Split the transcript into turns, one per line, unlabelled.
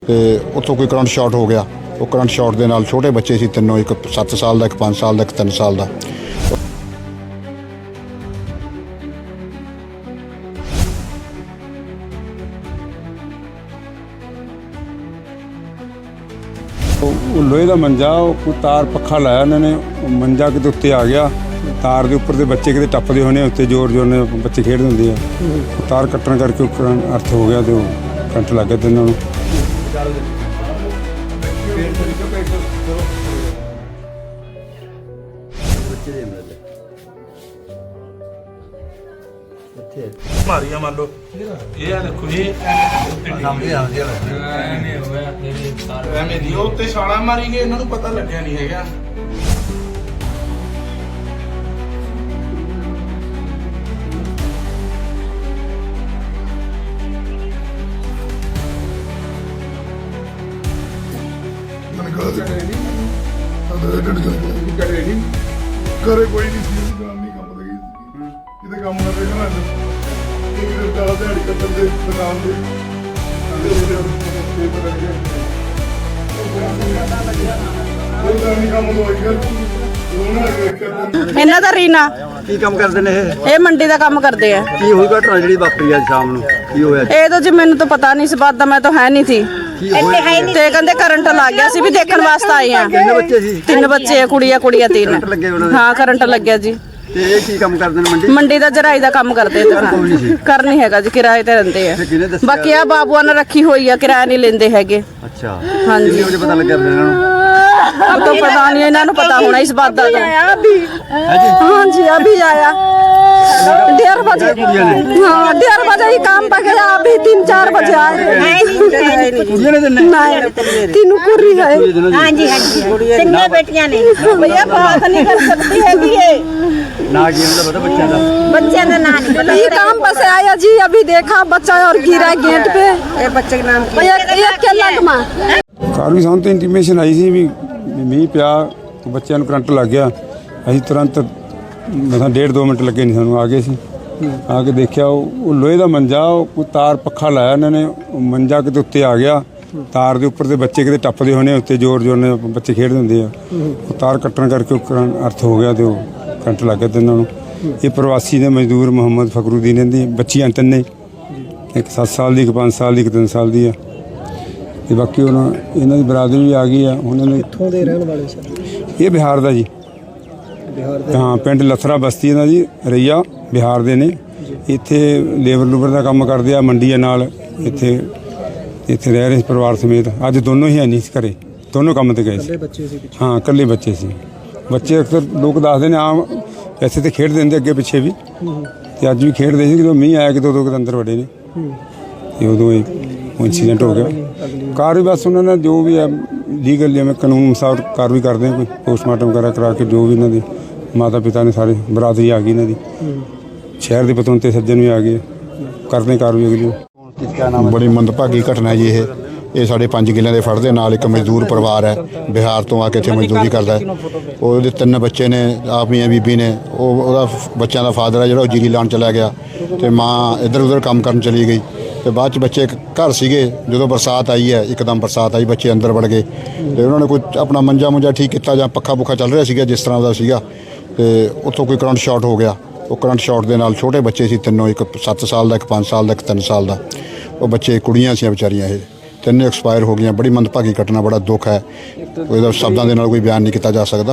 ਤੇ ਉੱਥੋਂ ਕੋਈ ਕਰੰਟ ਸ਼ਾਰਟ ਹੋ ਗਿਆ। ਉਹ ਕਰੰਟ ਸ਼ਾਰਟ ਦੇ ਨਾਲ ਛੋਟੇ ਬੱਚੇ ਸੀ ਤਿੰਨੋਂ, ਇੱਕ 7 ਸਾਲ ਦਾ, ਇੱਕ 5 ਸਾਲ ਦਾ, ਇੱਕ 3 ਸਾਲ ਦਾ।
ਉਹ ਲੋਹੇ ਦਾ ਮੰਜਾ, ਉਹ ਤਾਰ ਪੱਖਾ ਲਾਇਆ ਉਹਨਾਂ ਨੇ, ਮੰਜਾ ਕਿਤੇ ਉੱਤੇ ਆ ਗਿਆ, ਤਾਰ ਦੇ ਉੱਪਰ ਦੇ ਬੱਚੇ ਕਿਤੇ ਟੱਪਦੇ ਹੋਣੇ, ਉੱਤੇ ਜ਼ੋਰ ਜ਼ੋਰ ਨਾਲ ਬੱਚੇ ਖੇਡਦੇ ਹੁੰਦੇ ਆ, ਤਾਰ ਕੱਟਣ ਕਰਕੇ ਉਹ ਅਰਥ ਹੋ ਗਿਆ ਤੇ ਉਹ ਕਰੰਟ ਲੱਗ ਗਿਆ ਤੇ ਉਹਨਾਂ ਨੂੰ।
ਮਾਰੀਆਂ ਮੰਨ ਲਓ ਇਹ ਆ ਦੇਖੋ ਜੀ ਐਵੇਂ ਦੀ ਉਹ ਉੱਤੇ ਛਾਲਾ ਮਾਰੀ ਗਏ, ਇਹਨਾਂ ਨੂੰ ਪਤਾ ਲੱਗਿਆ ਨਹੀਂ ਹੈਗਾ।
ਘਰੇ ਕੋਈ ਨਹੀਂ ਸੀ, ਜਨਾਨੀ ਕੰਮ ਲੱਗੀ ਸੀ, ਕਿਤੇ ਕੰਮ ਕਰਦੇ ਘਰਾਂ ਚ ਕਿਤੇ ਦਾ ਦਿਹਾੜੀ ਕੱਢਣ ਦੇ ਦੁਕਾਨ ਦੇ ਕੰਮ ਲੋਈਗਾ
ਇਹਨਾਂ ਦਾ ਰੀਨਾ
ਕੀ ਕੰਮ ਕਰਦੇ ਨੇ
ਇਹ ਮੰਡੀ ਦਾ ਕੰਮ ਕਰਦੇ ਆ।
ਕੀ ਹੋਈ ਘਟਨਾ ਜਿਹੜੀ ਵਾਪਰੀ ਅੱਜ ਸ਼ਾਮ ਨੂੰ, ਕੀ ਹੋਇਆ?
ਇਹ ਤਾਂ ਜੀ ਮੈਨੂੰ ਤਾਂ ਪਤਾ ਨਹੀਂ ਇਸ ਬਾਤ ਦਾ, ਮੈਂ ਤਾਂ ਹੈ ਨਹੀਂ ਸੀ ਤੇ ਕਹਿੰਦੇ ਕਰੰਟ ਲੱਗ ਗਿਆ ਸੀ, ਵੀ ਦੇਖਣ ਵਾਸਤੇ ਆਏ ਆ।
ਕਿੰਨੇ ਬੱਚੇ ਸੀ?
3 ਬੱਚੇ ਆ, ਕੁੜੀਆਂ ਤਿੰਨ।
ਕਰੰਟ ਲੱਗੇ ਉਹਨਾਂ ਦੇ?
ਹਾਂ ਕਰੰਟ ਲੱਗਿਆ ਜੀ।
ਤੇ ਇਹ ਕੀ ਕੰਮ ਕਰਦੇ ਨੇ?
ਮੰਡੀ ਦਾ ਜਰਾਈ ਦਾ ਕੰਮ ਕਰਦੇ ਤੇ ਕਰ ਨਹੀਂ ਹੈਗਾ ਜੀ, ਕਿਰਾਏ ਤੇ ਰਹਿੰਦੇ ਆ।
ਕਿਹਨੇ ਦੱਸਿਆ?
ਬਾਕੀ ਆ ਬਾਬੂਆਂ ਨੇ ਰੱਖੀ ਹੋਈ ਆ, ਕਿਰਾਇਆ ਨਹੀਂ ਲੈਂਦੇ ਹੈਗੇ।
ਅੱਛਾ,
ਹਾਂਜੀ।
ਕਿੰਨੇ ਵਜੇ ਪਤਾ ਲੱਗਿਆ ਫਿਰ ਇਹਨਾਂ ਨੂੰ?
अब तो पता नहीं, इन्हों को पता होना इस बात का। हाँ जी अभी आया 1:30 बजे। हाँ 1:30 बजे ही काम पे गया, अभी 3-4 बजे आए। तीनों कुर्री है।
हाँ जी तीनों बेटियां ने।
भैया बात नहीं कर सकती है कि ये
ना की मतलब पता बच्चा का
बच्चे का नाम
ये काम पे से आया जी, अभी देखा बच्चा और गिरा गेट पे।
बच्चे का नाम
भैया क्या लगमा
ਘਰ ਵੀ ਸਾਨੂੰ ਤਾਂ ਇੰਟੀਮੇਸ਼ਨ ਆਈ ਸੀ ਵੀ ਮੀਂਹ ਪਿਆ, ਬੱਚਿਆਂ ਨੂੰ ਕਰੰਟ ਲੱਗ ਗਿਆ। ਅਸੀਂ ਤੁਰੰਤ ਮਸਾਂ 1.5-2 ਮਿੰਟ ਲੱਗੇ ਨਹੀਂ ਸਾਨੂੰ, ਆ ਗਏ ਸੀ। ਆ ਕੇ ਦੇਖਿਆ ਉਹ ਲੋਹੇ ਦਾ ਮੰਜਾ, ਉਹ ਤਾਰ ਪੱਖਾ ਲਾਇਆ ਉਹਨਾਂ ਨੇ, ਮੰਜਾ ਕਿਤੇ ਉੱਤੇ ਆ ਗਿਆ, ਤਾਰ ਦੇ ਉੱਪਰ ਦੇ ਬੱਚੇ ਕਿਤੇ ਟੱਪਦੇ ਹੋਣੇ, ਉੱਤੇ ਜ਼ੋਰ ਜ਼ੋਰ ਨਾਲ ਬੱਚੇ ਖੇਡਦੇ ਹੁੰਦੇ ਆ, ਉਹ ਤਾਰ ਕੱਟਣ ਕਰਕੇ ਉਹ ਅਰਥ ਹੋ ਗਿਆ ਤੇ ਉਹ ਕਰੰਟ ਲੱਗ ਗਿਆ ਤੇ ਉਹਨਾਂ ਨੂੰ। ਇਹ ਪ੍ਰਵਾਸੀ ਨੇ ਮਜ਼ਦੂਰ ਮੁਹੰਮਦ ਫਕਰੂਦੀਨ ਦੀ ਬੱਚੀਆਂ ਤਿੰਨੇ, ਇੱਕ 7 ਸਾਲ ਦੀ, ਇੱਕ 5 ਸਾਲ ਦੀ, ਇੱਕ 3 ਸਾਲ ਦੀ ਆ। ਤੇ ਬਾਕੀ ਉਹਨਾਂ ਇਹਨਾਂ ਦੀ ਬਰਾਦਰੀ ਵੀ ਆ ਗਈ ਆ। ਉਹਨਾਂ ਨੇ
ਕਿੱਥੋਂ ਦੇ ਰਹਿਣ ਵਾਲੇ ਸਨ?
ਇਹ ਬਿਹਾਰ ਦਾ ਜੀ, ਹਾਂ ਪਿੰਡ ਲਥਰਾ ਬਸਤੀ ਇਹਨਾਂ ਦੀ ਰਈਆ, ਬਿਹਾਰ ਦੇ ਨੇ। ਇੱਥੇ ਲੇਬਰ ਲੂਬਰ ਦਾ ਕੰਮ ਕਰਦੇ ਆ, ਮੰਡੀ ਨਾਲ ਇੱਥੇ ਰਹਿ ਰਹੇ ਪਰਿਵਾਰ ਸਮੇਤ। ਅੱਜ ਦੋਨੋਂ ਹੀ ਹੈ ਨਹੀਂ ਸੀ ਘਰੇ, ਦੋਨੋਂ ਕੰਮ ਤੇ ਗਏ ਸੀ। ਹਾਂ ਇਕੱਲੇ ਬੱਚੇ ਸੀ। ਬੱਚੇ ਅਕਸਰ ਲੋਕ ਦੱਸਦੇ ਨੇ ਆਮ ਐਸੇ ਤੇ ਖੇਡਦੇ ਹੁੰਦੇ ਅੱਗੇ ਪਿੱਛੇ ਵੀ, ਤੇ ਅੱਜ ਵੀ ਖੇਡਦੇ ਸੀ। ਜਦੋਂ ਮੀਂਹ ਆਇਆ ਕਿ ਦੋ ਦੇ ਅੰਦਰ ਵੜੇ ਨੇ, ਤੇ ਉਦੋਂ ਹੀ ਇੰਸੀਡੈਂਟ ਹੋ ਗਿਆ। ਕਾਰਵਾਈ ਬਸ ਉਹਨਾਂ ਨੇ ਜੋ ਵੀ ਹੈ ਲੀਗਲ ਜਿਵੇਂ ਕਾਨੂੰਨ ਅਨੁਸਾਰ ਕਾਰਵਾਈ ਕਰਦੇ ਆ, ਕੋਈ ਪੋਸਟਮਾਰਟਮ ਵਗੈਰਾ ਕਰਾ ਕੇ ਜੋ ਵੀ ਇਹਨਾਂ ਦੇ ਮਾਤਾ ਪਿਤਾ ਨੇ ਸਾਰੇ ਬਰਾਦਰੀ ਆ ਗਈ ਇਹਨਾਂ ਦੀ, ਸ਼ਹਿਰ ਦੇ ਪਤਵੰਤੇ ਸੱਜਣ ਵੀ ਆ ਗਏ, ਕਰਦੇ ਕਾਰਵਾਈ ਅਗਲੀ।
ਬੜੀ ਮੰਦਭਾਗੀ ਘਟਨਾ ਜੀ ਇਹ ਸਾਡੇ 5 ਕਿੱਲਿਆਂ ਦੇ ਫੜ ਦੇ ਨਾਲ ਇੱਕ ਮਜ਼ਦੂਰ ਪਰਿਵਾਰ ਹੈ, ਬਿਹਾਰ ਤੋਂ ਆ ਕੇ ਇੱਥੇ ਮਜ਼ਦੂਰੀ ਕਰਦਾ ਹੈ। ਉਹਦੇ 3 ਬੱਚੇ ਨੇ, ਆਪ ਮੀਆਂ ਬੀਬੀ ਨੇ। ਉਹਦਾ ਬੱਚਿਆਂ ਦਾ ਫਾਦਰ ਹੈ ਜਿਹੜਾ, ਉਹ ਜੀਰੀ ਲਾਉਣ ਚਲਾ ਗਿਆ, ਤੇ ਮਾਂ ਇੱਧਰ ਉੱਧਰ ਕੰਮ ਕਰਨ ਚਲੀ ਗਈ। ਤੇ ਬਾਅਦ 'ਚ ਬੱਚੇ ਘਰ ਸੀਗੇ, ਜਦੋਂ ਬਰਸਾਤ ਆਈ ਹੈ, ਇੱਕਦਮ ਬਰਸਾਤ ਆਈ, ਬੱਚੇ ਅੰਦਰ ਵੜ ਗਏ। ਤੇ ਉਹਨਾਂ ਨੇ ਕੋਈ ਆਪਣਾ ਮੰਜਾ ਠੀਕ ਕੀਤਾ, ਜਾਂ ਪੱਖਾ ਪੁੱਖਾ ਚੱਲ ਰਿਹਾ ਸੀਗਾ ਜਿਸ ਤਰ੍ਹਾਂ ਦਾ ਸੀਗਾ, ਤੇ ਉੱਥੋਂ ਕੋਈ ਕਰੰਟ ਸ਼ਾਰਟ ਹੋ ਗਿਆ। ਉਹ ਕਰੰਟ ਸ਼ਾਰਟ ਦੇ ਨਾਲ ਛੋਟੇ ਬੱਚੇ ਸੀ ਤਿੰਨੋਂ, ਇੱਕ 7 ਸਾਲ ਦਾ, ਇੱਕ 5 ਸਾਲ ਦਾ, ਇੱਕ 3 ਸਾਲ ਦਾ। ਉਹ ਬੱਚੇ ਕੁੜੀਆਂ ਸੀ ਵਿਚਾਰੀਆਂ, ਇਹ ਤਿੰਨੇ ਐਕਸਪਾਇਰ ਹੋ ਗਈਆਂ। ਬੜੀ ਮੰਦਭਾਗੀ ਘਟਨਾ, ਬੜਾ ਦੁੱਖ ਹੈ, ਉਹਦਾ ਸ਼ਬਦਾਂ ਦੇ ਨਾਲ ਕੋਈ ਬਿਆਨ ਨਹੀਂ ਕੀਤਾ ਜਾ ਸਕਦਾ।